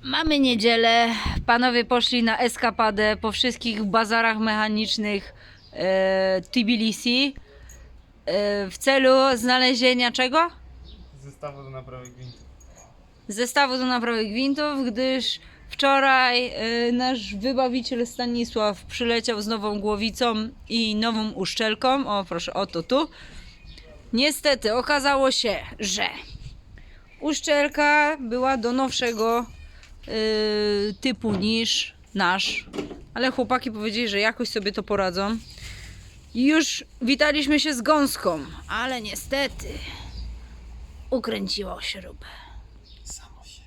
Mamy niedzielę, panowie poszli na eskapadę po wszystkich bazarach mechanicznych Tbilisi w celu znalezienia czego? Zestawu do naprawy gwintów. Zestawu do naprawy gwintów, gdyż wczoraj nasz wybawiciel Stanisław przyleciał z nową głowicą i nową uszczelką. O proszę, oto tu. Niestety okazało się, że uszczelka była do nowszego typu niż nasz, ale chłopaki powiedzieli, że jakoś sobie to poradzą. Już witaliśmy się z gąską, ale niestety ukręciło śrubę. Samo się.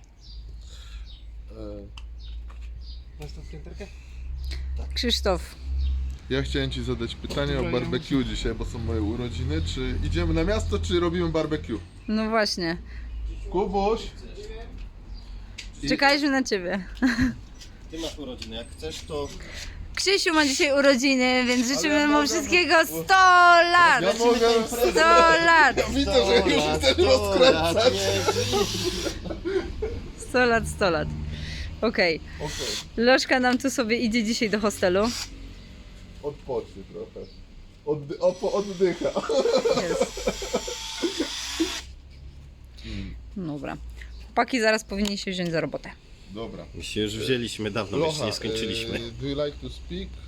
Masz tą skręterkę? Krzysztof, Ja chciałem Ci zadać pytanie o barbecue dzisiaj, bo są moje urodziny. Czy idziemy na miasto, czy robimy barbecue? no właśnie, Kubuś! czekaliśmy na ciebie. Ty masz urodziny, jak chcesz to... Krzysiu ma dzisiaj urodziny, więc życzymy ja mu mogę- wszystkiego 100 lat! Ja mogę... 100 lat! Widzę, że już chcesz rozkręcać. 100 lat, 100 lat. Okej. Okej, Lożka nam tu sobie idzie dzisiaj do hostelu. odpocznij trochę. Oddycha. Jest. Dobra. Chłopaki zaraz powinni się wziąć za robotę. Dobra. My się już wzięliśmy dawno, bo jeszcze nie skończyliśmy. Do you like to speak?